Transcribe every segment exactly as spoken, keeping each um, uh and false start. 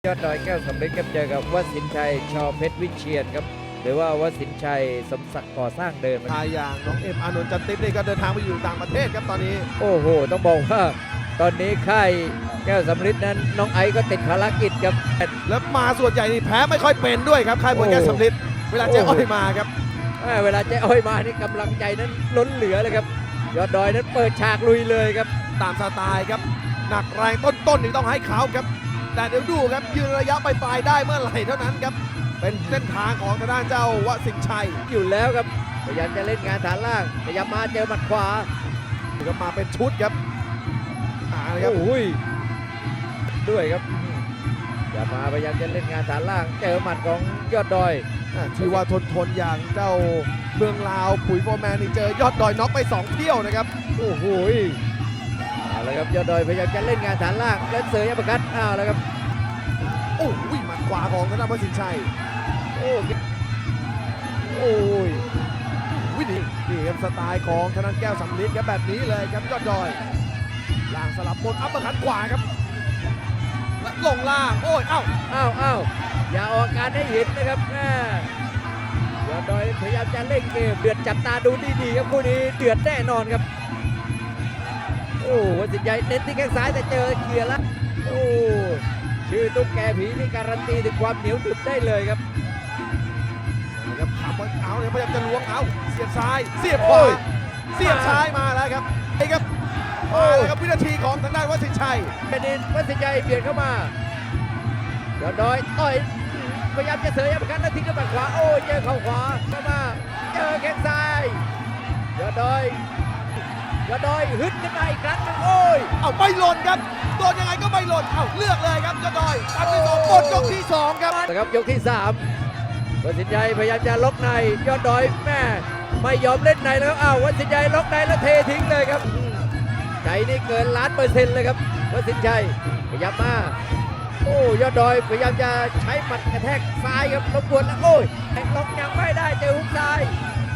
ยอดดอยแก้วสำเร็จครับเจอกับวสินชัยชอเพชรวิเชียนครับหรือว่าวสินชัยสมศักดิ์ก่อสร้างเดินทายอย่างน้องเอ็มอานนท์จันทิพย์นี่ก็เดินทางไปอยู่ต่างประเทศครับตอนนี้โอ้โหต้องบอกว่าตอนนี้ค่ายแก้วสำริดนั้นน้องไอซ์ก็ติดภารกิจครับแล้วมาส่วนใหญ่นี่แพ้ไม่ค่อยเป็นด้วยครับค่ายมวยแก้วสำลิดเวลาเจ๊อ้อยมาครับแม่เวลาเจ๊อ้อยมานี่กำลังใจนั้นล้นเหลือเลยครับยอดดอยนั้นเปิดฉากลุยเลยครับตามสไตล์ครับหนักแรงต้นๆนี่ต้องให้เขาครับแต่เดี๋ยวดูครับยืนระยะปลายๆได้เมื่อไหร่เท่านั้นครับเป็นเส้นทางของทางด้านเจ้าวสินชัยอยู่แล้วครับพยายามจะเล่นงานฐานล่างพยายามมาเจอหมัดขวาก็มาเป็นชุดครับอ่านะครับโอ้ยด้วยครับอย่ามาพยายามจะเล่นงานฐานล่างเจอหมัดของยอดดอยอ่าที่ว่าทนทนๆอย่างเจ้าเมืองลาวปุ๋ยโฟร์แมนนี่เจอยอดดอยน็อกไปสองเที่ยวนะครับโอ้โหเอาละครับยอดดอยพยายามจะเล่นงานฐานล่างแล้วเสยอัปเปอร์คัตอ้าวแล้วครับโอ้ยหมัดขวาของทางด้านวสินชัยโอ้โอ้ยวิธีนี่ครับสไตล์ของธนันแก้วสำลิดครับแบบนี้เลยครับยอดดอยล่างสลับบนอัปเปอร์คัตขวาครับและลงล่างโอ้ยเอ้าอ้าวอ้าวอย่าออกอาการให้เห็นนะครับแม่ยอดดอยพยายามจะเล่นเกมเดือดจับตาดูดีๆครับคู่นี้เดือดแน่นอนครับโอ้วัสินใหญ่เน้นที่แข้งซ้ายแต่เจอเกียร์ละโอ้ชื่อตุ๊กแกผีนี่การันตีถึงความเหนียวดึบได้เลยครับครับขับเอาเนี่ยพยายามจะล้วงเอาเสียบซ้ายเสียบขวาเสียบซ้ายมาแล้วครับไอ้ครับมาแล้วครับวินาทีของทางด้านวสินชัยเป็นดินวัสินใหญ่เบียดเข้ามายอดดอยต่อยพยายามจะเสยอัปเปอร์คัตแล้วทิ้งด้วยหมัดขวาโอ้ยเจอเข่าขวาเข้ามาเจอแข้งซ้ายยอดดอยยอดดอยฮึดขึ้นมาอีกครั้งหนึงโอ้ยเอาไม่หล่นครับโดนยังไงก็ไม่หล่นเอาเลือกเลยครับยอดดอยตัดที่สองหมดยกที่สองครับนะครับยกที่สามวัสินชัยพยายามจะล็อกในยอดดอยแม่ไม่ยอมเล่นในแล้วครับอ้าววัสินชัยล็อกในแล้วเททิ้งเลยครับใจนี่เกินล้านเปอร์เซ็นต์เลยครับวัสินชัยพยายามมาโอ้ยอดดอยพยายามจะใช้หมัดกระแทกซ้ายครับรบกวนแล้วโอ้ยแทงล็อกยังไม่ได้เจอหุกซ้าย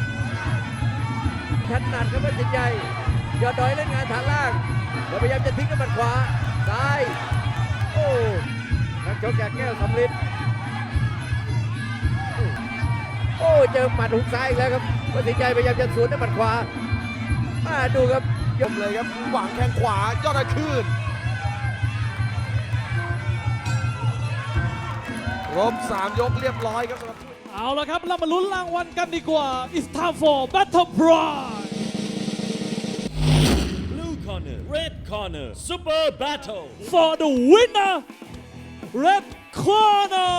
ถนัดครับวัสินชัยยอดดอยเล่นงานฐานล่างแล้วพยายามจะทิ้งด้วยหมัดขวาซ้ายโอ้นักชกจากแก้วสำลิด โอ้เจอหมัดหุกซ้ายอีกแล้วครับวัสินชัยพยายามจะสวนด้วยหมัดขวามาดูครับยกเลยครับหวังแข้งขวายอดดอยคืนรบสามยกเรียบร้อยครับสำหรับเอาละครับเรามาลุ้นรางวัลกันดีกว่า It's time for Battle Prize Blue corner, red corner, super battle. for the winner Red Corner